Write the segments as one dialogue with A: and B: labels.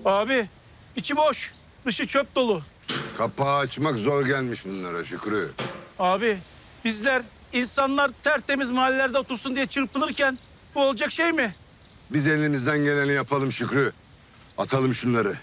A: Abi içi boş, dışı çöp dolu.
B: Kapağı açmak zor gelmiş bunlara Şükrü.
A: Abi bizler insanlar tertemiz mahallelerde otursun diye çırpınırken bu olacak şey mi?
B: Biz elimizden geleni yapalım Şükrü. Atalım şunları.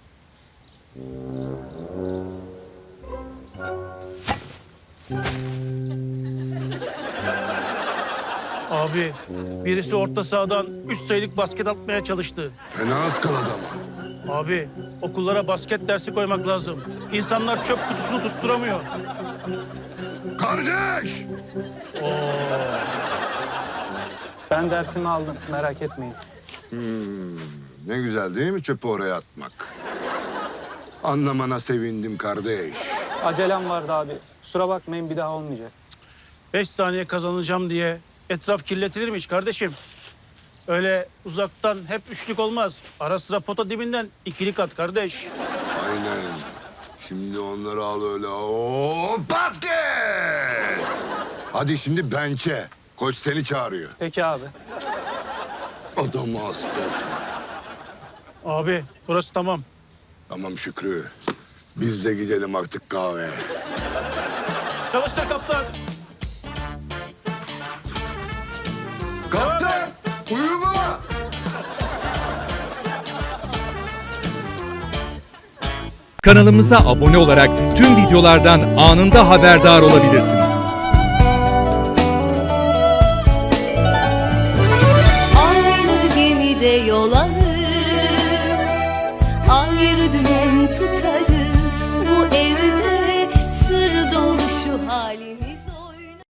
A: Abi birisi orta sahadan 3 sayılık basket atmaya çalıştı.
B: Fena ıskaladı ama.
A: Abi okullara basket dersi koymak lazım. İnsanlar çöp kutusunu tutturamıyor.
B: Kardeş!
C: Ben dersimi aldım, merak etmeyin.
B: Ne güzel değil mi çöpü oraya atmak? Anlamana sevindim kardeş.
C: Acelem vardı abi. Kusura bakmayın, bir daha olmayacak.
A: 5 saniye kazanacağım diye etraf kirletilir mi hiç kardeşim? Öyle uzaktan hep üçlük olmaz. Ara sıra pota dibinden ikilik at kardeş.
B: Aynen. Şimdi onları al öyle. Oo, basket! Hadi şimdi bench'e. Koç seni çağırıyor.
C: Peki abi.
B: Adamı hasta.
A: Abi burası tamam.
B: Tamam Şükrü. Biz de gidelim artık kahveye.
A: Çalıştır kaptan.
B: Kaptan! Uyuma!
D: Kanalımıza abone olarak tüm videolardan anında haberdar olabilirsiniz.
E: Aynı gemide yol alır, ayrı dümen tutarız. Bu evde sır dolu şu halimiz olur.